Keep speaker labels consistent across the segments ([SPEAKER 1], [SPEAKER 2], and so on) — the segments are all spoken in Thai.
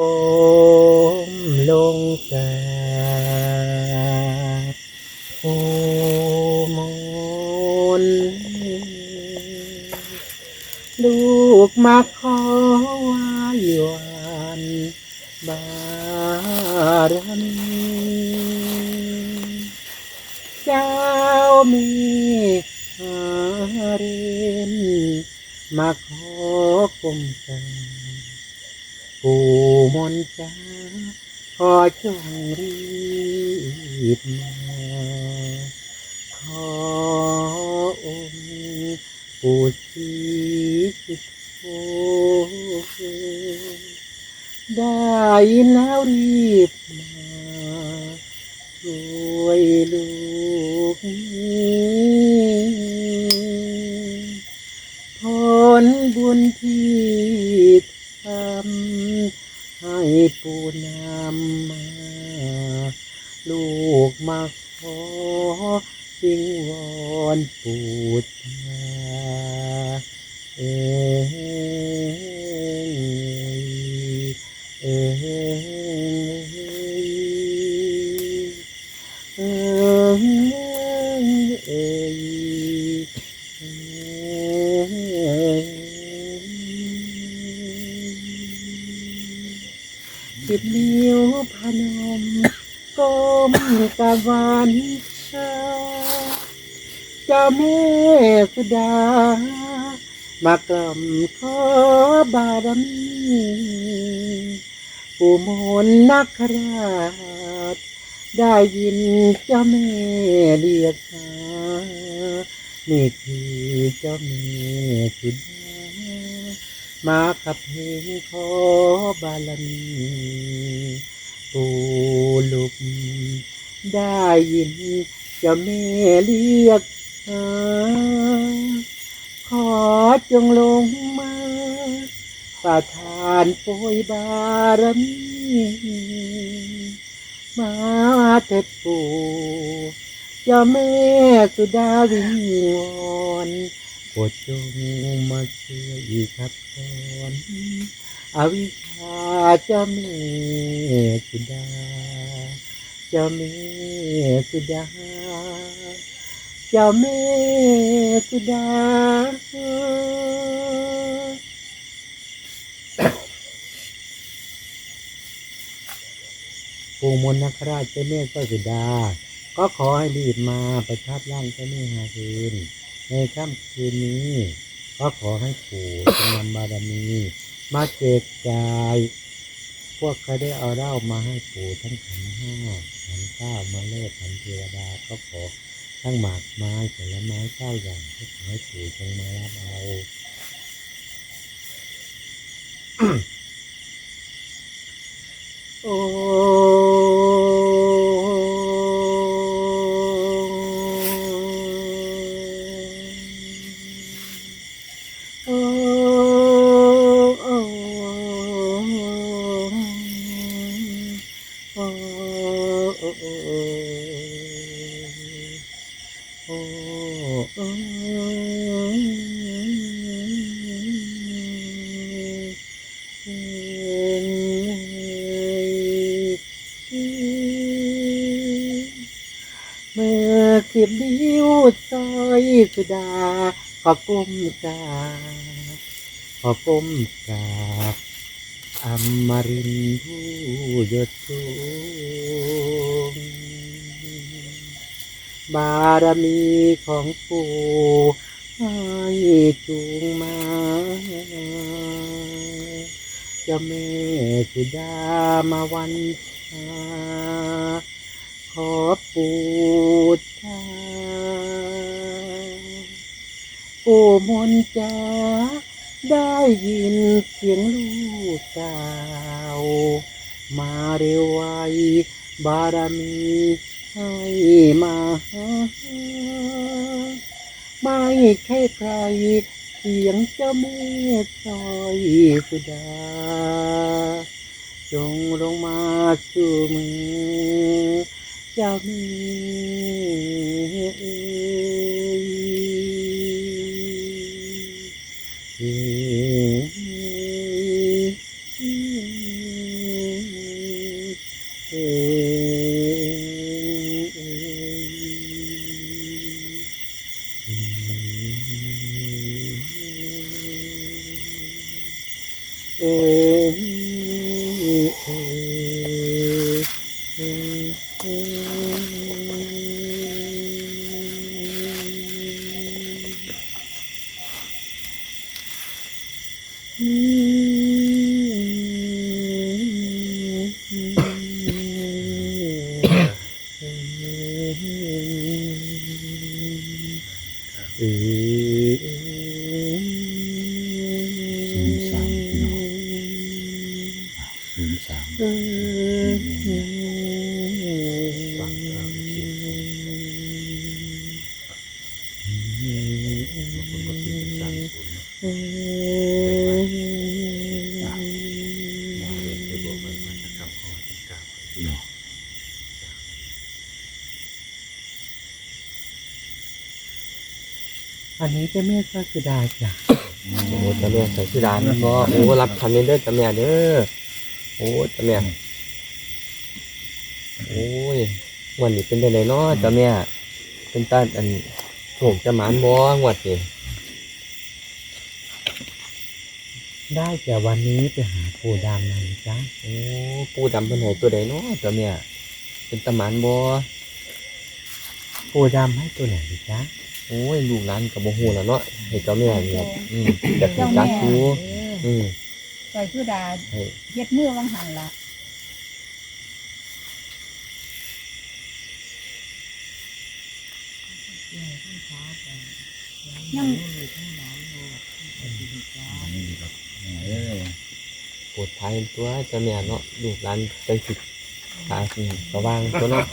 [SPEAKER 1] มลงกราบโอมนลูกมาขอไหว้วานบารมีเจ้ามีหาเรนมาขอกรมกันปู่มนต์จ้าขอจงรีบมาขอองค์ปู่ศรีสุโธได้แล้วรีบมาช่วยลูกผลบุญที่ทำให้ปู่นำมาลูกมาขอวิงวอนปู่ตาเอ๋เอ๋เอ๋เอ๋สิบนิ้วพนมก้มกราบไหว้เจ้าแม่สุดามากล่อมขอบารมีปู่มนต์นาคราชได้ยินเจ้าแม่เรียกหานี่คือเจ้าแม่สุดามาขับเพลงขอบารมีปู่ลุกได้ยินเจ้าแม่เรียกหาขอจงลงมาประทานโปรยบารมีมาเถิดปู่เจ้าแม่สุดาวิงวอนโปรดจงมาช่วยขับถอนอวิชชาเจ้าแม่สุดาเจ้าแม่สุดาเจ้าแม่สุดาปู่มนต์นาคราชเจ้าแม่เจ้าสุดาก็ขอให้รีบมาประทับร่างเจ้าแม่หาคืนในค่ำคืนนี้ก็ขอให้ปู่จงนำบารมีมาแจกจ่ายพวกเขาได้เอาเหล้ามาให้ปู่ทั้งขันห้าขันเก้ามาเลิศขันเทวดาก็ขอทั้งหมากไม้ผลไม้เก้าอย่างก็ขอให้ปู่จงมารับเอาโอ้โอ้โอ้โอ้โอ้โอ้เมื่อสิบนิ้วซอยสุดาขอก้มกราบขอก้มกราบอมรินทร์ผู้ยศสูงบารมีของปู่ให้จูงมาเจ้าแม่สุดามาวันชาขอปู่ตาปู่มนต์จ้าได้ยินเสียงลูกสาวมาเร็วไวบารมีให้มาหาไม่ใช่ใครเสียงเจ้าแม่ซอยสุดาจงลงมาสู่มือเจ้าแม่อันนี้เจ้าแม่ก็คือดาจ้ะ
[SPEAKER 2] โอ้เจ้าแม่ใส่ชุดานบ่โอ้รับคำนี้เด้อเจ้าแม่เด้อโอ้เจ้าแม่โอ้ยวันนี้เป็นได้ไหนเนาะเจ้าแม่เป็นตาอันโถูกจะหมานบ่งวดนี่
[SPEAKER 1] ได้แต่วันนี้ไปหาปู่ดำหน่อยจ้ะ
[SPEAKER 2] โอ้ปูดำเป็นไหนตัวใดเนาะเจ้าแม่เป็นตาหมานบ่
[SPEAKER 1] ปู่ดำให้ตัวไหนจ้ะ
[SPEAKER 2] โอ้ยลูกหลานกับโมโหแล้วเนาะให้เจ้าแม่เนี่ยจะถึงจักชูอืม
[SPEAKER 3] ใส่ชุดา
[SPEAKER 2] ให้
[SPEAKER 3] เฮ็ดมือวังหันละยัง
[SPEAKER 2] ปวดท้ายตัวเจ้าแม่เนาะลูกหลานจังสิขาสว่างตัวเนาะ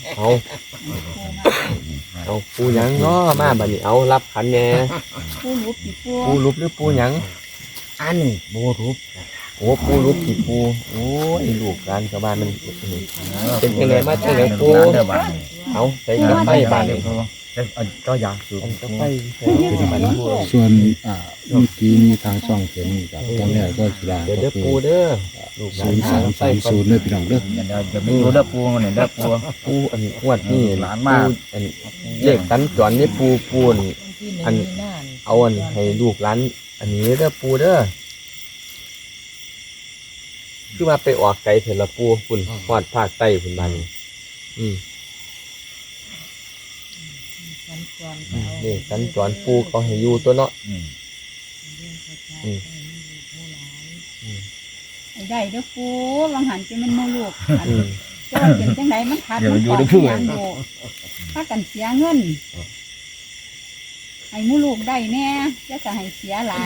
[SPEAKER 2] เอาปูหยังเนาะมาบัดนี้เอารับขันแหน่
[SPEAKER 3] ปูรูปปีปู
[SPEAKER 2] ปูรูปหรือปูหยัง
[SPEAKER 1] อันนี้โบรูป
[SPEAKER 2] โอ้ปูรูปกี่ปูโอ้ยลูกหลานชาวบ้านมันเป็นยังไงมาจังไงปูเอาใส่กระไฟบานเลย
[SPEAKER 1] ก็อยากสูบ
[SPEAKER 2] กระไฟใส่กระไฟปู
[SPEAKER 4] ส่วนเมื่อกี้มีทางช่องเขียนกับเจ้าแม่ก็สุดา
[SPEAKER 2] เดี๋ยว
[SPEAKER 4] ก็
[SPEAKER 2] เด้อ
[SPEAKER 4] คือ
[SPEAKER 2] ปูเด้อลูกหลาน
[SPEAKER 4] 0330เนี่ยพี่น้องเด้อ
[SPEAKER 5] จะไม่รู้เด้อปูเนี่ยเด้อปู
[SPEAKER 2] ปูอันงวดนี่
[SPEAKER 5] หลานมาก
[SPEAKER 2] อันเลขสัญจรนี่ปูนอันเอาอันให้ลูกหลานอันนี้เด้อปูเด้อคือมาไปออกไกลเถอะละปูคุณฮอดภาคใต้คุณบ้านนี่นี่สัญจรปูเขาให้อยู่ตัวเนาะ
[SPEAKER 3] ไอ้ได้เด้อปูวังหันจะเป็นโมลูกอัน
[SPEAKER 2] อืม
[SPEAKER 3] จะว่าเป็นจังไดมันขาดมันขอเสียงโบถ้ากันเสียเงินให้หมูลูกได้แน่จะให้เสียหลาย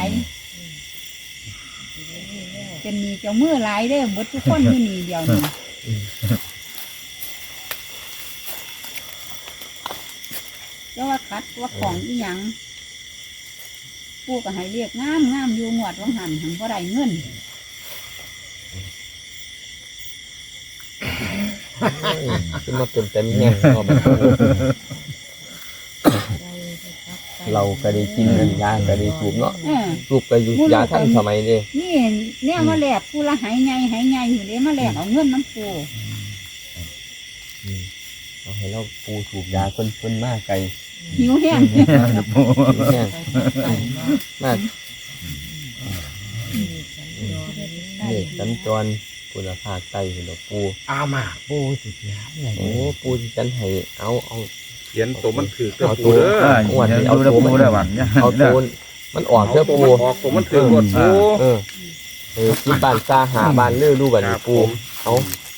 [SPEAKER 3] เป็นหนี้เจ้ามือหลายเด้อหมดทุกคนอยู่นี่เดียวนี่จะว่าคัดว่าของอีหยังปูก็ให้เรียกงามงามอยู่งวดวังหันหังบ่ได้เงิน
[SPEAKER 2] ขึ้นมาเป็นเต็มแง่งก็แบบเราก็ได้กินนั่นยาก็ได้สูบเนาะ ลูกก็อยู่ยาท่านสมัยนี้
[SPEAKER 3] นี่เนี่ยมาแลกปูละหายไงอยู่เลยมาแลกเอาเงินน้ำปู
[SPEAKER 2] เอาให้เราปูสูบยาคนมากไกล
[SPEAKER 3] หิวแห้ง
[SPEAKER 2] แห้งมากนี่สัญจรคุณภาพไตคุณปู
[SPEAKER 1] เอามาปูสิยาไง
[SPEAKER 2] โอ้ปูที่ฉันให้เอา
[SPEAKER 6] เขียนตัวมันถือก็
[SPEAKER 2] เอา
[SPEAKER 6] ปู
[SPEAKER 2] ตัว
[SPEAKER 6] เด้อ
[SPEAKER 2] อ้วนเอา
[SPEAKER 5] เด้อ
[SPEAKER 2] ตัว
[SPEAKER 5] ปู
[SPEAKER 2] มัน
[SPEAKER 5] เด้อหวังเนี่ย
[SPEAKER 2] เอาตัวมันออกเด้อ
[SPEAKER 6] ตัว
[SPEAKER 2] ปู
[SPEAKER 6] มันออกตัวมันถือกดปู
[SPEAKER 2] ที่บ้านซาหาบ้านเลื่อรูบันปูเอา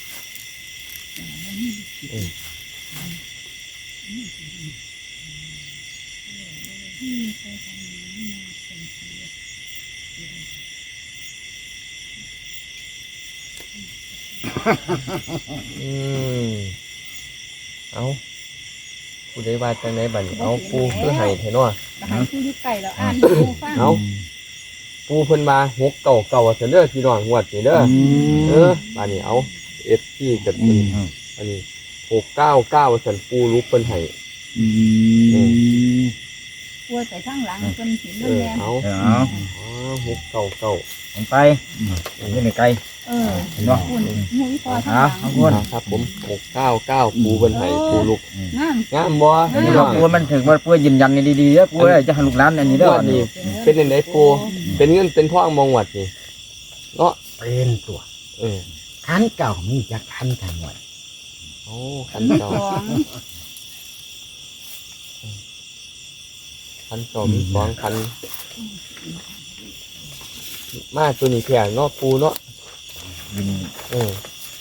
[SPEAKER 2] เอาผู้ใดว่าจังไหนบัดนี้เอาปูเพื่อให้เถอะเนาะ
[SPEAKER 3] ให้ปูอยู่ไก่แล้วอ่านให้ปูฟัง
[SPEAKER 2] เอาปูเพิ่นมา6 9 9เสนอพี่น้องงวดนี่เด้อบัดนี้เอาFTกับอันนี้6 9 9สันปูรูปเพิ่นให้
[SPEAKER 3] ป่วยไปข้างหลังเพิ่นสิ
[SPEAKER 2] เอ
[SPEAKER 3] มัน
[SPEAKER 2] อ
[SPEAKER 3] แม่น
[SPEAKER 2] เอา
[SPEAKER 5] เอา
[SPEAKER 2] อ๋อหุบเก่าเก่า
[SPEAKER 5] ลงไปนี่ในไกล
[SPEAKER 3] เออ
[SPEAKER 5] เห็นบ่
[SPEAKER 3] คุณมุ้ยพอข้าง
[SPEAKER 5] เอา
[SPEAKER 3] หลัง
[SPEAKER 5] เอาคน
[SPEAKER 2] ครับผม699ปูเพิ่นให้ปูลูก
[SPEAKER 3] งาม
[SPEAKER 2] งามบ่
[SPEAKER 5] อัน
[SPEAKER 2] พี่
[SPEAKER 5] นี้
[SPEAKER 2] น้
[SPEAKER 5] ว่า
[SPEAKER 2] อง
[SPEAKER 5] ปูมันถึงว่าปูยืนยันดีๆเด้อปูจะหันลูกหลานอันนี้เด้อ
[SPEAKER 2] วันนี้เป็นจังได๋ปูเป็นเงินเป็นทองมองวัดนี่เนาะ
[SPEAKER 1] เป็นตัว
[SPEAKER 2] เออ
[SPEAKER 1] คันเก่ามีจักคันทั้งหมด
[SPEAKER 2] โอ้คันเก่า
[SPEAKER 3] สอง
[SPEAKER 2] คันเก่ามี2คันมาตัวนี้แค่เนาะปูเนาะเออ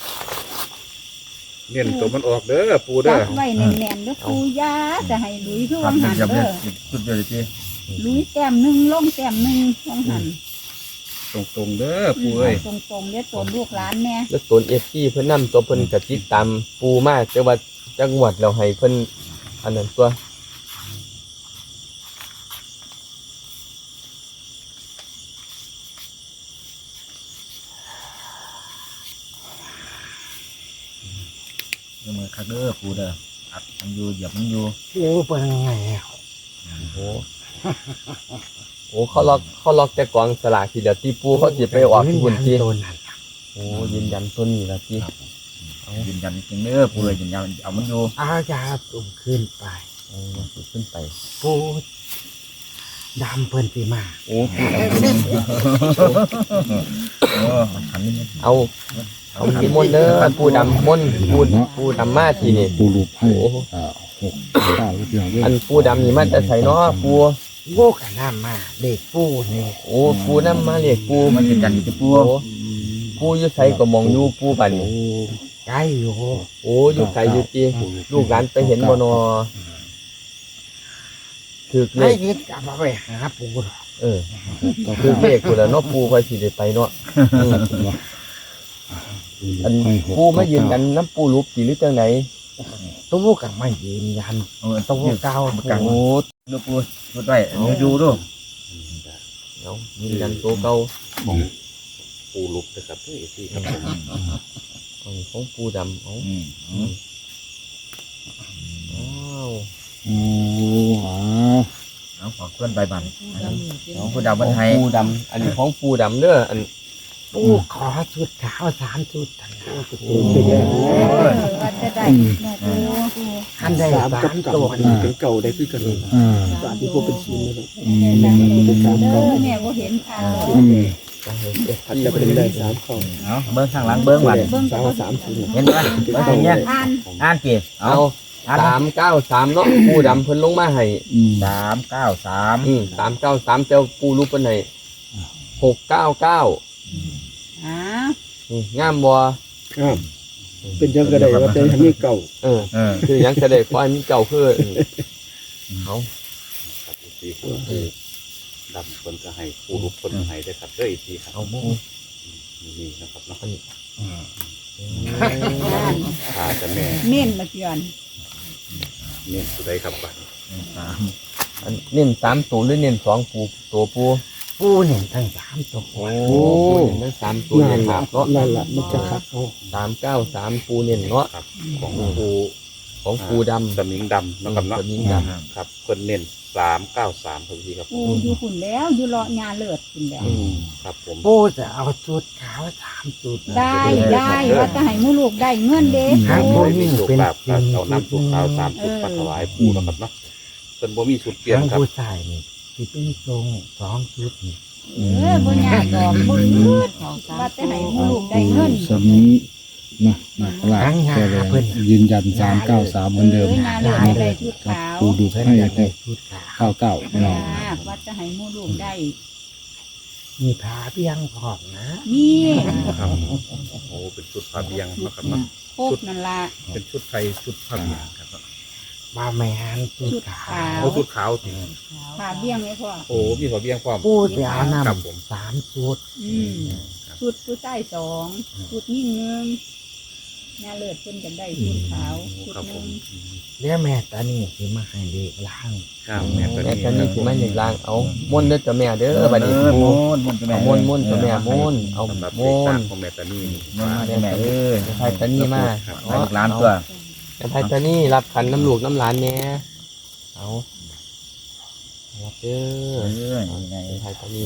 [SPEAKER 6] เน้นตัวมันออกเด้อปู
[SPEAKER 3] จั
[SPEAKER 6] เด้อบ
[SPEAKER 3] ไว้แน่นๆเด้อปูยาจะให้ลุยคือวังหัน
[SPEAKER 5] จับ
[SPEAKER 3] เด้อ
[SPEAKER 5] สุดยอดจี
[SPEAKER 3] ลุยแต้มหนึงลงแต้มหนึงวังหัน
[SPEAKER 6] ตรงๆเด้อปูเอ้ย
[SPEAKER 3] ตรงๆเด้อตัวลูกหลานแน่
[SPEAKER 2] แล้วตัว FG เพิ่นนำตัวเพิ่นก็ติดตามปูมาแต่ว่าจังหวัดเราให้เพิ่นอันนั้นตัว
[SPEAKER 5] มือคักเด้อปูเด้ออัดมันอยู่เหยียบมันอยู่
[SPEAKER 1] เร็วเป็นไงอะ
[SPEAKER 2] โอ้ โอ้เขาล็อกแต่กองสลากทีเดียวที่ปูเขาสิไปออกที่บุญที่
[SPEAKER 1] ตัวนั้น
[SPEAKER 2] โอ้ยืนยันตัวนี้ละที่
[SPEAKER 5] ยืนยันจริงเด้อปูเลยยืนยันเอามันอยู่
[SPEAKER 1] เอายาตุ่มขึ้นไป
[SPEAKER 2] โอ้สิขึ้นไป
[SPEAKER 1] ปูดำเพิ่นสิมา
[SPEAKER 2] โอ้ปูด
[SPEAKER 5] โอ้หันนี่
[SPEAKER 2] ำเอามีมนต์เด้อปูดำมนต์ปูดำมาทีนี่
[SPEAKER 4] ปูรูปให้
[SPEAKER 2] โอ้
[SPEAKER 4] 6 9เรื่อง
[SPEAKER 2] อันปูดำนี่มันจะใส่เนาะปู
[SPEAKER 1] โง่กันน้ำมาเด็กปูนี่
[SPEAKER 2] โอ้ปูน้ำมาเรียกปู
[SPEAKER 5] มันยืนยันอยู่ปู
[SPEAKER 2] โอ้ปูอยู่ใส่ก็มองอยู่ปูบัดน
[SPEAKER 1] ใกล้อยู่
[SPEAKER 2] โอ้อยู่ไกลอยู่จีลูกหลานไปเห็นบ่นอถือเล
[SPEAKER 1] ไม่
[SPEAKER 2] ข
[SPEAKER 1] คิดกลับมาไปหาปูหรอก
[SPEAKER 2] เออถือเลขกูแล้วเนาะปูค่อยสิได้ไปเนาะอืมอันปูมายืนกันน้ำปูรูปสิหรือจังไหน
[SPEAKER 1] ตู้กับไม่ยืนยัน
[SPEAKER 5] โอ้
[SPEAKER 1] ตู้เก่า
[SPEAKER 5] กัง
[SPEAKER 2] โอ้
[SPEAKER 5] ดูปูดูด้วยดูดู
[SPEAKER 2] เอายืนยันตัวเก่า
[SPEAKER 6] ปูลุกนะครับเฮ้ยที่ครับผม
[SPEAKER 2] ของปูดำเอาอ้าว
[SPEAKER 4] โอ้อ้าว
[SPEAKER 5] เอาขอเคลื่อนใบบันของปูดาวบันไทย
[SPEAKER 2] ปูดำอันนี้ของปูดำเด้ออัน
[SPEAKER 1] ปูขอชุดขาว3 ชุดทันนะ
[SPEAKER 3] ว่าจะได้แม่ปู
[SPEAKER 1] ท่านได้3 ตัว
[SPEAKER 6] เป็นเก่าได้คือกัน
[SPEAKER 1] สารที่พวกเป็นชิ้นเลย
[SPEAKER 3] เด้อแม่บ่เห็นค่ะ
[SPEAKER 6] ถ้าจะเป็นได้3ข้อ
[SPEAKER 5] เอาเบิ้งข้างหลังเบิ้งวัน
[SPEAKER 3] เบิ่งก็บ่
[SPEAKER 6] 3ชิ้น
[SPEAKER 5] เห็นไหมเบิ้งอย่างเงี้ย
[SPEAKER 3] อ่าน
[SPEAKER 5] จีเอา
[SPEAKER 2] เอา393เนาะปูดำเพิ่นลงมาให้
[SPEAKER 5] 393
[SPEAKER 2] 393เจ้าปูรูปเพิ่นให้699
[SPEAKER 3] อ้าว
[SPEAKER 2] นี่งามบ่
[SPEAKER 6] ครับเป็นจังกระไดว่าแต่ยังมีเก่า
[SPEAKER 2] เออคือหยังจะได้ควายมีเก่าคือเอา
[SPEAKER 6] ที่ปูดำคนก็ให้ปูลุกคนก็ให้ได้ครับเด้อที่ครับ
[SPEAKER 2] เอาหมู
[SPEAKER 6] นี่นะครับเนาะ
[SPEAKER 3] อ่าน
[SPEAKER 6] ขาจะแม่
[SPEAKER 3] เม่นมาเตือน
[SPEAKER 6] เน้นสุดใดครับบัด
[SPEAKER 2] อันเน้น3ตัวหรือเน้น2ปูตัวปู
[SPEAKER 1] ปูเนี่ยทั้ง3 ตัว
[SPEAKER 2] โอ้เน้น3ตัวเน้นครับเนาะ
[SPEAKER 1] นั่นแหละมันจะคักเอา
[SPEAKER 2] 393ปูเน้นเนาะ
[SPEAKER 6] ครับของปู
[SPEAKER 2] ของปูดำ
[SPEAKER 6] สมิงดำนะครับเนาะ
[SPEAKER 2] สมิงดำ
[SPEAKER 6] ครับเพิ่นเน้น393ครับพี่ครับ
[SPEAKER 3] ปูอยู่หุ่นแล้วอยู่เลาะยาเลิศหุ่นแล้ว
[SPEAKER 6] ครับผม
[SPEAKER 1] ปูจะเอาชุดขาว3 ชุด
[SPEAKER 3] ได้ว่าจะให้หมู่ลูกได้เงินเด้
[SPEAKER 1] ทาง
[SPEAKER 3] ปู
[SPEAKER 1] ผู้
[SPEAKER 6] มี
[SPEAKER 1] ยิ่ง
[SPEAKER 6] สุข
[SPEAKER 1] เป็น
[SPEAKER 6] แบบเอาน้ำสุขขาว3ชุดมาถวายปูนะครับเนาะเพิ่นบ่มีสุดเปลี่ยน
[SPEAKER 1] ทาง
[SPEAKER 6] ครับ
[SPEAKER 1] ผู้ชายนี่ที่เป็นทรง2 ชุดนี่
[SPEAKER 3] บ่ยากดอกบ่ยืดว่าจะให้หมู่ลูกได้เงิน
[SPEAKER 4] สมินะนะแกเลยยืนยัน393เหมือนเดิม
[SPEAKER 3] ยาเลิศได้ชุดขาว
[SPEAKER 4] ปูดู
[SPEAKER 1] เพิ่น
[SPEAKER 4] ให้
[SPEAKER 1] จะได้ชุดขาว
[SPEAKER 4] 99พี่น้อง
[SPEAKER 3] ว่าจะให้หมู่ลูกได้
[SPEAKER 1] มีผ้าเพียงพร้อมนะ
[SPEAKER 3] นี่
[SPEAKER 6] ครับโอ้เป็นชุดผ้าเบียงนะครับเนาะ
[SPEAKER 3] พบนั่นล่ะ
[SPEAKER 6] เป็นชุดไทยชุดผ้าเบียงครับ
[SPEAKER 1] มาแมนชุดขาว
[SPEAKER 6] โอ้ชุดขาวสิ
[SPEAKER 3] ผ่าเบี้ยงไว้พ่อ
[SPEAKER 6] โอ้มีผ้าเบียงความ
[SPEAKER 1] ปูจะเอาน้
[SPEAKER 6] ครับผม
[SPEAKER 1] ำ3 ชุด
[SPEAKER 3] ชุดผู้ใต้2ชุดยิ่งนึงยาเลิศเพิ่นกันได้ชุดขาวชุด
[SPEAKER 6] ครับผ
[SPEAKER 3] นึ
[SPEAKER 6] ม
[SPEAKER 3] ง
[SPEAKER 1] แล้วแม่ตานี่สิมาให้เด็กล้าง
[SPEAKER 6] ครับแม่ตัว
[SPEAKER 2] แม่
[SPEAKER 6] นี้
[SPEAKER 2] กันนี่สิมาอย่างลางเอาม่นเด้อจ้ะแม่เด้อบัดนี้
[SPEAKER 5] ม
[SPEAKER 2] ปู
[SPEAKER 5] นมนจะแม่
[SPEAKER 2] เอาม่นม่นจ้ะแม่ม่นเอา
[SPEAKER 6] สำหรับ
[SPEAKER 2] ม่
[SPEAKER 6] เด็กสร้าง
[SPEAKER 2] น
[SPEAKER 6] ของแม่ตานี่
[SPEAKER 5] มนจะแม่เอ้ย
[SPEAKER 2] ไทยตานี่มา
[SPEAKER 5] ให้ลูกหลานตัว
[SPEAKER 2] ไทยตานี่รับขันน้ำลูกน้ำหลานแน่เอารับเด้อ
[SPEAKER 5] ยังไง
[SPEAKER 2] ไทยก็มี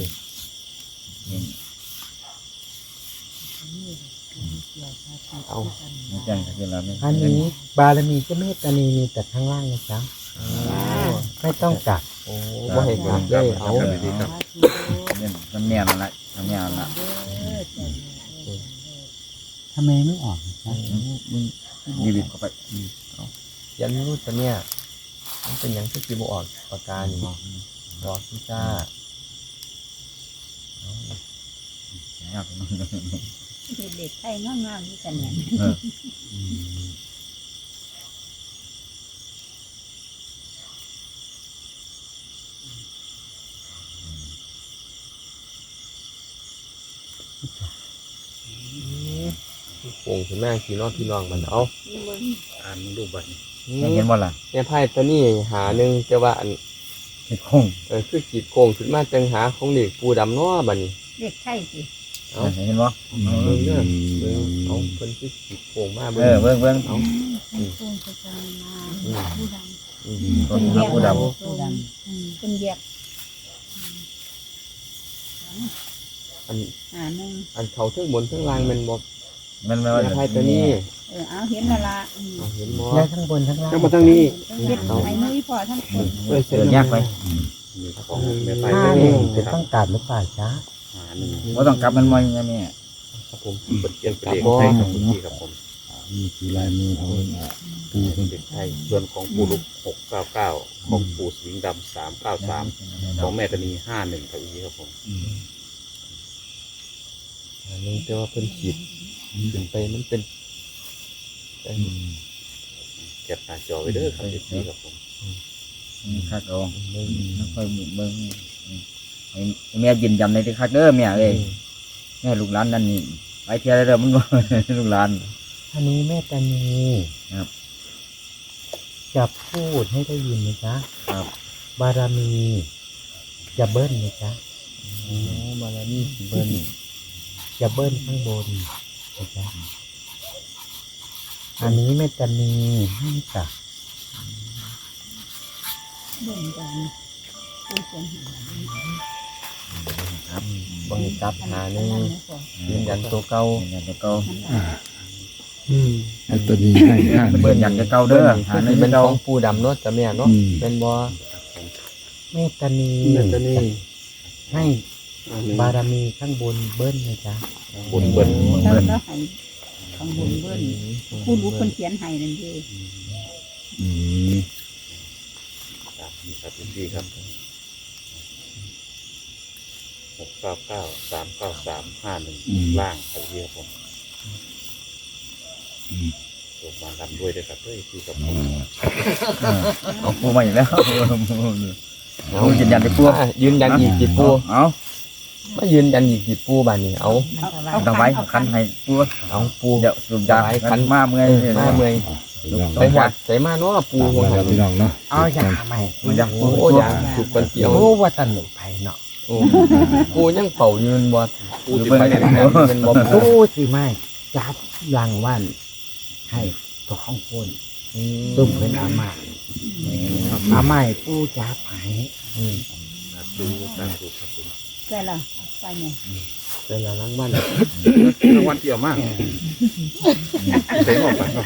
[SPEAKER 2] เอา
[SPEAKER 5] นี่จังคือเราไม่
[SPEAKER 1] อันนี้บารมีเจ้าแม่ตานีมีแต่ข้างล่างนะจ๊ะไม่ต้องกลับ
[SPEAKER 2] โอ้บ่ให้กลับเลยเอา
[SPEAKER 5] มันแน่นละมันแน่นละ
[SPEAKER 1] ทำไมไม่ออกนะ
[SPEAKER 5] ดีบิดเข้าไป
[SPEAKER 2] ยันรู้จะเนี่ยมันเป็นอย่างที่จีบออกปากกานี่บอกพี่จ้า
[SPEAKER 3] เด็กไทยงามๆที่กันเนี่ย
[SPEAKER 2] โป่งถึงแม่ขี่นอดพี่น้องมันเอา
[SPEAKER 6] อ่านรูปบัตร
[SPEAKER 5] เห็นบ่ล่ะ
[SPEAKER 2] เนี่ยไพ่ตัวนี้หาหนึ่งแต่ว่าอัน
[SPEAKER 5] เห็ดโค้ง
[SPEAKER 2] คือขีดโค้งขึ้นมาจังหาของเด็กปูดำน้อบัดนี้
[SPEAKER 3] เด็กไทยสิ
[SPEAKER 5] เห็นบ่
[SPEAKER 2] เบิ่งเด้อเบิ่งเอาเพิ่นคือขีดโค้งมา
[SPEAKER 5] เออเบิ่งเบิ่ง
[SPEAKER 2] เอา
[SPEAKER 3] ผู้ประจานมาผู้ดำ
[SPEAKER 5] ตัวนี้ผู้ด
[SPEAKER 3] ผู้ดำเป็นแยก
[SPEAKER 2] อัน
[SPEAKER 3] นึง
[SPEAKER 2] อันเขาเทั้งบนเทั้งล่างมันบอก
[SPEAKER 5] ำมัน
[SPEAKER 2] เนี่ยไพ่ตัวนี้
[SPEAKER 3] เอาเห็นและละ
[SPEAKER 2] เอาเห็นบ่
[SPEAKER 1] ได้ทั้งบนทั้งล่าง
[SPEAKER 6] แล้วมาทางนี้
[SPEAKER 3] เฮ็ดไอ้นุ้ยพอทั้งคน
[SPEAKER 5] เดินยากไป
[SPEAKER 6] มีของแม่ไฟ
[SPEAKER 1] ห้า
[SPEAKER 6] แม่
[SPEAKER 1] ห
[SPEAKER 6] นี่
[SPEAKER 1] นึ่งจะต้องกลับหรือเปล่าจ๊ะ
[SPEAKER 6] หาหนึ่ง
[SPEAKER 5] ว่าต้องกลับมันมอยอย่างนี้
[SPEAKER 2] ครับผม
[SPEAKER 6] เปิดเกียนเป็นเลขไทยของคุณพี่ครับผม
[SPEAKER 4] นี่คือลายมือของปูเป็น
[SPEAKER 6] เลขไทยส่วนของปู่ลุก699ของปู่สวิงดำ393ของแม่ตานี51ครับอีครับผม
[SPEAKER 2] อันนี้แต่ว่าเพิ่นขีดขึ้นไปมันเป็น
[SPEAKER 6] เก็บหน้าจอไว้เด้อครับพี่ครับผม
[SPEAKER 5] คักเอาค่อยเบิ่งแม่ยืนยันในที่คักเด้อแม่เอ้ยแม่ลูกหลานนั่นนี่ไปเที่ยวได้เด้อมันบ่ลูกหลาน
[SPEAKER 1] อันนี้แม่ตานี
[SPEAKER 5] ครับ
[SPEAKER 1] จะพูดให้ได้ยินนะจ๊ะ
[SPEAKER 5] ครับ
[SPEAKER 1] บารมีจะเบิ้ลนะจ๊ะ
[SPEAKER 2] โอ้บารมีสิเบิ้ล
[SPEAKER 1] จะเบิ้ลข้างบนนะจ๊ะอันนี้แม่ตานีให้กลับ
[SPEAKER 3] เบิ่งกันผู้เสียงหาย
[SPEAKER 2] ครับบังคับหาหนึ่งยืนยันตัวเก่า
[SPEAKER 5] อยากจะเก่า
[SPEAKER 4] ไอ้ตัวนี้ให้ห้า
[SPEAKER 5] เบิ่นอยากจะเก่าเด้อหา
[SPEAKER 2] อัน
[SPEAKER 5] ใน
[SPEAKER 2] นี้เป็น
[SPEAKER 5] เก่า
[SPEAKER 2] ของปูดำเนาะจ้ะแม่เนาะเป็นบ่
[SPEAKER 1] แม่ตานี
[SPEAKER 6] แม่ตานี
[SPEAKER 1] ให้บารมีข้างบนเบิ้ลนะจ๊ะ
[SPEAKER 6] บนเบิ้ล
[SPEAKER 3] แล้วให้ข้างบนเบิ้ลผู้รู้คนเขียนให้นั่นเอง
[SPEAKER 4] อืม
[SPEAKER 6] นี่ครับพี่ครับ699 393 51ล่างครับพี่ครับผมลงมาทำด้วยด้วยครับพี่ครับผม
[SPEAKER 5] เอาปูมาอีกแล้วปูยืนยันไปปู
[SPEAKER 2] ยืนยันอีกกี่ปู
[SPEAKER 5] เอา
[SPEAKER 2] มายืนยันอีกกี่ปูบ้านนี้เอา
[SPEAKER 5] ต้องไว้คันให้ปู
[SPEAKER 2] เอาปู
[SPEAKER 5] เดี๋ยวสูบยาคันมาเมื่อย
[SPEAKER 2] มาเมื่อย
[SPEAKER 4] พี่น้อง
[SPEAKER 2] ไปหัดใส่มาเนาะปู
[SPEAKER 4] ตาม
[SPEAKER 2] หัว
[SPEAKER 4] มา
[SPEAKER 2] หั
[SPEAKER 4] แล้ว
[SPEAKER 2] น
[SPEAKER 4] พี่น้องเนาะ
[SPEAKER 1] เอาอย่างใหม่
[SPEAKER 5] มันอยาก
[SPEAKER 2] โอ้ยางถูกกันเกี่ยว
[SPEAKER 1] โอ้ว่าตนุไปเนาะ
[SPEAKER 2] โอ้ปูยังเป่ายืนบ่
[SPEAKER 6] ปูติดไปเนี่ย
[SPEAKER 2] เป็นบ่
[SPEAKER 1] โอ้สิไม่จับรางวัลให้ตัวของคนตุ้มเพิ่นอามาอาไม่ผู้จับให้
[SPEAKER 6] ดูตามดูครับผม
[SPEAKER 3] ได้ละไปเนี่ย
[SPEAKER 2] เป็นละล้างบ้าน
[SPEAKER 6] รางวัลเกี่ยวมากเต็มออกไปครับ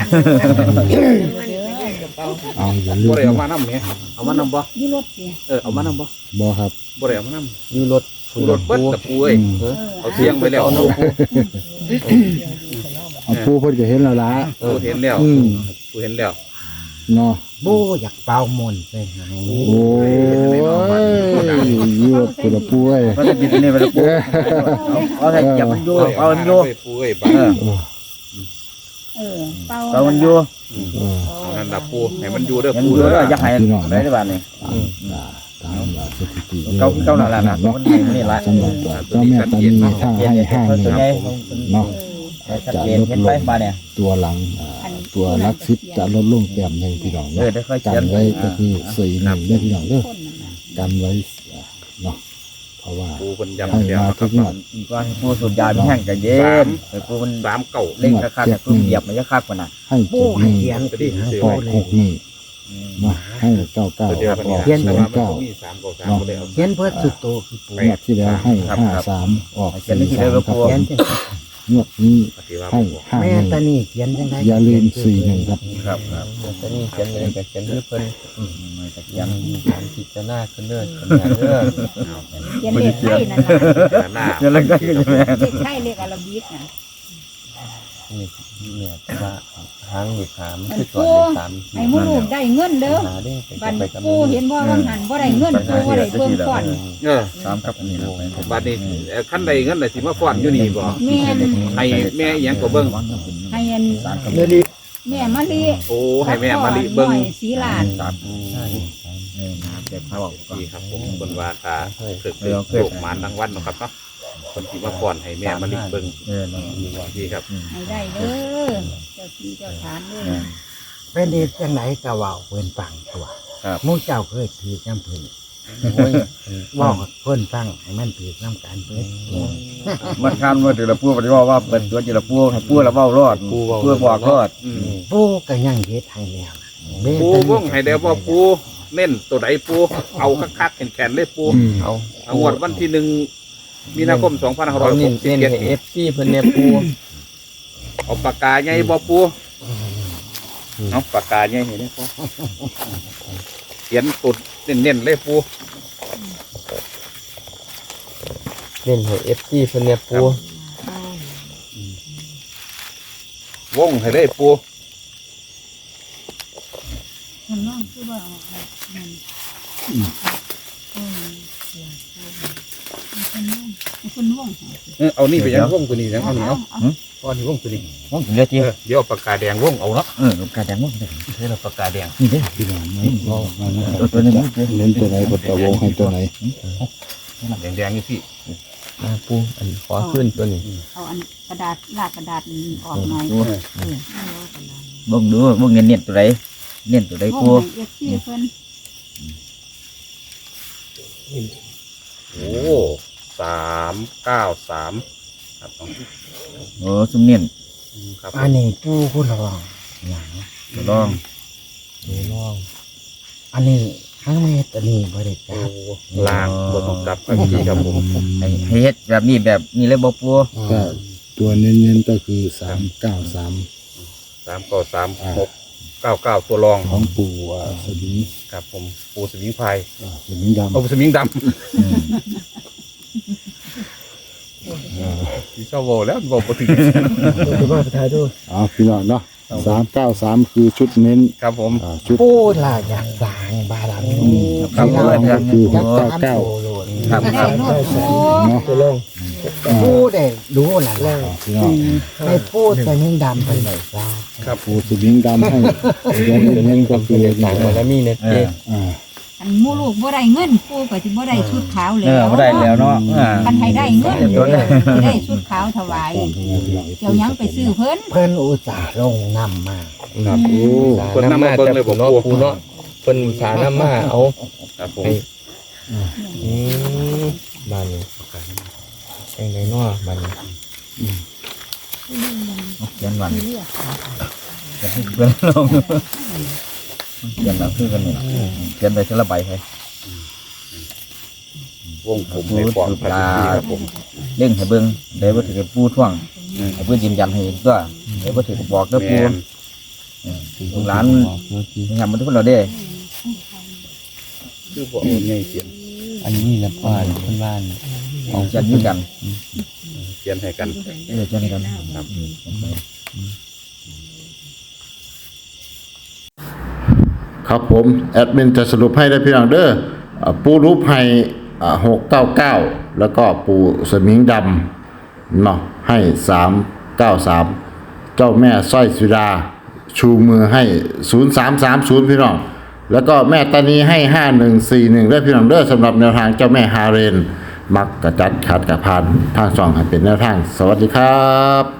[SPEAKER 4] เอาอย่าลื
[SPEAKER 6] บ่
[SPEAKER 4] ม
[SPEAKER 6] ได้เอามานำเนี่ยเอามานำบ่
[SPEAKER 3] ยี่รถสิ
[SPEAKER 6] เอามานำบ่
[SPEAKER 4] บ่ครับ
[SPEAKER 6] บ่ได้เอามานำ
[SPEAKER 2] อยู่รถ
[SPEAKER 6] รถเบิ้ลตะปูเอ้ยเอาเทียงไปแล้ว
[SPEAKER 2] เอาปู
[SPEAKER 4] เอาปูเพิ่นก็เห็นแล้วล่ะ
[SPEAKER 6] ปูเห็นแล้ว
[SPEAKER 4] อืม
[SPEAKER 6] ปูเห็นแล้ว
[SPEAKER 4] เนาะ
[SPEAKER 1] บูอยากเป่ามนต์ไปให้
[SPEAKER 4] โอ้ยยืดตัวละปูเอ้ย
[SPEAKER 5] ก็จะกินนี่ไปแล้วปูเอาให้จับมันอยู่เอามันอยู่
[SPEAKER 6] ปูเอ้ยบ้า
[SPEAKER 5] เอามันอยู่
[SPEAKER 6] เอานั่นล่ะปูให้มันอยู่เด้อ
[SPEAKER 5] มัน
[SPEAKER 6] ปู
[SPEAKER 5] อยู่
[SPEAKER 6] เด้อ
[SPEAKER 5] แล้วอยากให้ได้ได้บ้านนี่
[SPEAKER 4] ตามสถิติ
[SPEAKER 5] เก่าหน่อยละนะมันนี่ละ
[SPEAKER 4] สำหรับเจ้าแม่ตานีถ้าให้ห้าหนึ่ง เนาะ
[SPEAKER 5] ชัดเจนเห็นไปมาเนี่ย
[SPEAKER 4] ตัวหลังตัวลักซิปจะลดลงแต้มหนึ่งพี่น้อง
[SPEAKER 5] เออ
[SPEAKER 4] เนาะ
[SPEAKER 5] ได้ค่อย
[SPEAKER 4] กั
[SPEAKER 5] เขีย
[SPEAKER 4] น
[SPEAKER 5] น
[SPEAKER 4] ไว้ก็คือสี่หนึ่งได้พี่น้องเด้อ
[SPEAKER 3] คนนั่นน่ะ
[SPEAKER 4] กันไว้เนาะเพราะว่า
[SPEAKER 6] ปูเป็นยำ
[SPEAKER 4] ให้
[SPEAKER 6] เดียว
[SPEAKER 4] มา
[SPEAKER 6] ค
[SPEAKER 4] ทุ
[SPEAKER 6] รับ
[SPEAKER 4] กงวด
[SPEAKER 5] อีกว่าปูสูบยาเป็นแห้งกับเย็นไอ้ปูมัน
[SPEAKER 6] 3 เก่า
[SPEAKER 5] เล่นคักๆแต่ปูเหยียบมันจะคักกว่าน่ะ
[SPEAKER 4] ให้
[SPEAKER 1] บู
[SPEAKER 4] เจ็ดห
[SPEAKER 1] ให้
[SPEAKER 4] นึ่ง
[SPEAKER 1] เขียนที่ให้
[SPEAKER 4] อ
[SPEAKER 1] ปู
[SPEAKER 4] อก
[SPEAKER 1] เล
[SPEAKER 4] ห
[SPEAKER 1] ย
[SPEAKER 4] กหนึ่งมาให้เก้าเก้า
[SPEAKER 6] ตัวเดียวกัน
[SPEAKER 4] ออก
[SPEAKER 6] นี่
[SPEAKER 4] ศู
[SPEAKER 6] แต่
[SPEAKER 4] น
[SPEAKER 6] ว่า
[SPEAKER 4] ย์
[SPEAKER 6] มัน
[SPEAKER 4] เก้า
[SPEAKER 6] ก็มี3 9 3ก็เลยเอา
[SPEAKER 1] เขียนเพื่อสุดโตคือปู
[SPEAKER 4] งวดที่แล้วให้53ออก
[SPEAKER 5] เขียนที่ได้
[SPEAKER 4] 43
[SPEAKER 5] แล้ว
[SPEAKER 4] ครับ
[SPEAKER 5] ปู
[SPEAKER 1] เขียนจัง
[SPEAKER 4] งวดนี้
[SPEAKER 6] ปฏิว่า
[SPEAKER 4] ให้
[SPEAKER 6] บอก
[SPEAKER 1] แม่ตา
[SPEAKER 4] 51
[SPEAKER 1] นี่เขียนจังได
[SPEAKER 4] อย่าลืม41ครับ
[SPEAKER 5] ครับครับ
[SPEAKER 2] ตอนนี้เขียนเลยกับเขียนด้วยเพิ่น
[SPEAKER 5] มาจากยัง
[SPEAKER 2] พิจารณาขึ้นเด้อขนาดเด้อ
[SPEAKER 3] เขียนเลขไทยนั่นน่ะ
[SPEAKER 6] หน้า
[SPEAKER 5] เดี๋ยวเราก็จะแม่
[SPEAKER 3] เลขไทยเลขอาราบิกน่ะ
[SPEAKER 2] นี่เนี่ยว่าหางหยิบหามคือ
[SPEAKER 3] ปู
[SPEAKER 2] ตัวเลข3
[SPEAKER 3] ให้หมู่ลูกได้เงินเด้อ
[SPEAKER 2] หาได้
[SPEAKER 3] บัด
[SPEAKER 2] ไปกับ
[SPEAKER 3] ปูเห็นว่าว่าหันบ่ได้เงินปูบ่ได้เบิ่งก่อน
[SPEAKER 5] สามครับอันนี้เราไป
[SPEAKER 6] บัดนี้ขั้นใดเงินน่ะสิมาฟ้อนอยู่นี่บ่
[SPEAKER 3] แม่น
[SPEAKER 6] ให้แม่อีหยังก็เบิ่ง
[SPEAKER 3] ให้อัน
[SPEAKER 5] สามครับ
[SPEAKER 1] เดี๋ยวนี้
[SPEAKER 3] แม่มะลิ
[SPEAKER 6] โอ้ให้แม่มาลิเบิ่ง
[SPEAKER 3] น้อยสีลาน
[SPEAKER 5] สามนะครับเด็กเขาบอกก่อน
[SPEAKER 6] นี่ครับผมคนว่าตาฝึกโลกมานทั้งวันเนาะครับเนาะคนที่มาฟ้อนให้แม่มาลิเบิ่ง นี่ครับ
[SPEAKER 3] ให้ได้เด้อเจ้าที่เจ้าทานเด้อ
[SPEAKER 1] เป็นเด็กจังไหนก็เว้าเพิ่นฟังตัวหมู่เจ้าเคยถือน้ำเพิ่น
[SPEAKER 2] โอ้ย
[SPEAKER 1] เว้าเพิ่นฟังให้มันถือน้ำกันเพิ่น
[SPEAKER 5] มันคันว่าถือละปูปฏิวัติว่าเป็นตัวจีละปูให้ปูละเว้ารอดปูบอกรอด
[SPEAKER 1] ปูก็ยังเฮ็ดให้แล้วนะแม่
[SPEAKER 6] ปู
[SPEAKER 1] ตานี่
[SPEAKER 6] วงให้เดียวว่าปูเน้นตัวไหนปูเอาคักๆแข็งๆเลยปู
[SPEAKER 2] เอา
[SPEAKER 6] เอางวดวันที่1 มีนาคม
[SPEAKER 2] เอาเน้นเน้นให้
[SPEAKER 6] 2567
[SPEAKER 2] FC เพิ่นเนี่ยปู
[SPEAKER 6] เอาปากกาใหญ่บ่ปูเอาปากกาใหญ่เห็นไหมปูเขียนตุดเน้นๆเลยปู
[SPEAKER 2] เน้นให้ FC เพิ่นเนี่ยปู
[SPEAKER 6] วงให้เลยปู
[SPEAKER 3] มันน้องคือว่ามันคนน้อง
[SPEAKER 6] เอานี่ไปยังวงตัวนี้ยังเอานี่เอาก้อนนี่วงตัวนี้
[SPEAKER 5] ผมเหลือจี
[SPEAKER 6] เดี๋ยวเอาปากกาแดงวงเอาเนาะ
[SPEAKER 5] กระแดงมั้ง
[SPEAKER 6] เฮ้ยเราปากกาแดง
[SPEAKER 5] นี่เด้
[SPEAKER 4] พี่น้องมานะครับ
[SPEAKER 5] ตัวนี้
[SPEAKER 4] เน้นตัวไหนบทตะวงให้ตัวไหน
[SPEAKER 6] แดงๆนี่พี่
[SPEAKER 2] มาปูอันขอขึ้นตัวนี้
[SPEAKER 3] เอาอันกระดาษลากกระดาษออกหน่อย
[SPEAKER 5] บ่งดูบ่งเน้นตัวไหนเน้นตัวไหน
[SPEAKER 3] โอ้
[SPEAKER 5] ปู
[SPEAKER 3] ยเอฟซีเพิ่น
[SPEAKER 6] โอ้393ครับ
[SPEAKER 5] โอ้ซุ่มเน้น
[SPEAKER 6] ครับ
[SPEAKER 1] อันนี้ปูผู้ลองหยัง
[SPEAKER 5] ตัวรอง
[SPEAKER 2] นี่น้อง
[SPEAKER 1] อันนี้ทั้งแม่ตานี่บ่ได้จับ
[SPEAKER 6] ลางบนของกลับกันที่ครับผม
[SPEAKER 5] ให้เฮ็ดแบบนี้เลยบ่ปู
[SPEAKER 4] ก็ตัวเน้นๆก็คือ393
[SPEAKER 6] 3 9 3 6 9 9ตัวรอง
[SPEAKER 4] ของปู่สมิง
[SPEAKER 6] ครับผมปูสมิงพาย
[SPEAKER 4] สมิงดำ
[SPEAKER 6] เอาปูสมิงดำที่ชอบโวแล้วโวปกติ
[SPEAKER 1] คือว่าไปถ่ายดู
[SPEAKER 4] พี่น้องเนาะ393คือชุดเน้น
[SPEAKER 6] ครับผม
[SPEAKER 4] ชุด
[SPEAKER 1] ปูล่ะอยากสร้างบารมี
[SPEAKER 5] ครับ
[SPEAKER 4] ข้างล่างก็คือ
[SPEAKER 1] จักตาม
[SPEAKER 4] 699
[SPEAKER 1] โตโลด
[SPEAKER 5] ครับ
[SPEAKER 3] ได้โลดโอ้
[SPEAKER 4] เนาะ
[SPEAKER 1] ปูได้รู้ล่ะแล้ว
[SPEAKER 4] พี่น้อง
[SPEAKER 1] ให้ปูแต่นิ่งดำไปไหนซะ
[SPEAKER 4] ปู่สมิงดำให้ตัวเน้นๆก็คือ
[SPEAKER 2] ต่างบารมีเนี่ยเจ๊
[SPEAKER 3] อันหมู่ลูกบ่ได้เงินปูก็สิบ่ได้ชุดขาวแล้ว
[SPEAKER 5] บ่ได้แล้วเนาะ
[SPEAKER 3] คันให้ได้เงินสิได้ชุดขาวถวายเจ้ายังไปซื้อเพิ่น
[SPEAKER 1] เพิ่นอุตส่าห์ลงนำมา
[SPEAKER 6] ครับ
[SPEAKER 2] โอ้
[SPEAKER 6] คนนำมาเบิ่งเลยบอก
[SPEAKER 2] เนาะ
[SPEAKER 6] ปู
[SPEAKER 2] ปูเนาะเพิ่นสานำมาเอา
[SPEAKER 6] ครับผม
[SPEAKER 2] ให้บ้านนี้จังไดเนาะบ้านนี้
[SPEAKER 5] เขียนวันเขียนลงเขียนแล้วคือกันนี่เขียนไปทีละใบให้
[SPEAKER 6] วงผมในปอดพันธุ์ครับผม
[SPEAKER 5] เล่งให้เบิ่งได้บ่ถือปูท่วงให้เพิ่นยืนยันให้ตัวได้บ่ถือบอกเด้อปู
[SPEAKER 6] แม่น
[SPEAKER 5] ลูกหลานยามมันทุกคนเราเด้
[SPEAKER 6] คือบอกเอาง่ายเขียน
[SPEAKER 2] อันนี้ละป้านเพิ่นบ้าน
[SPEAKER 5] เอาจัดยืนกัน
[SPEAKER 6] เขียนให้กัน
[SPEAKER 5] จัดกัน
[SPEAKER 4] ครับผมแอดมินจะสรุปให้ได้พี่น้องเด้อปูรูปให้699แล้วก็ปูสมิงดำเนาะให้393เจ้าแม่สร้อยสุดาชูมือให้0330พี่น้องแล้วก็แม่ตานีให้5141ด้วยพี่น้องเด้อสำหรับแนวทางเจ้าแม่ฮาเรนมักกระจัดขัดกระพานทางช่องให้เป็นแนวทางสวัสดีครับ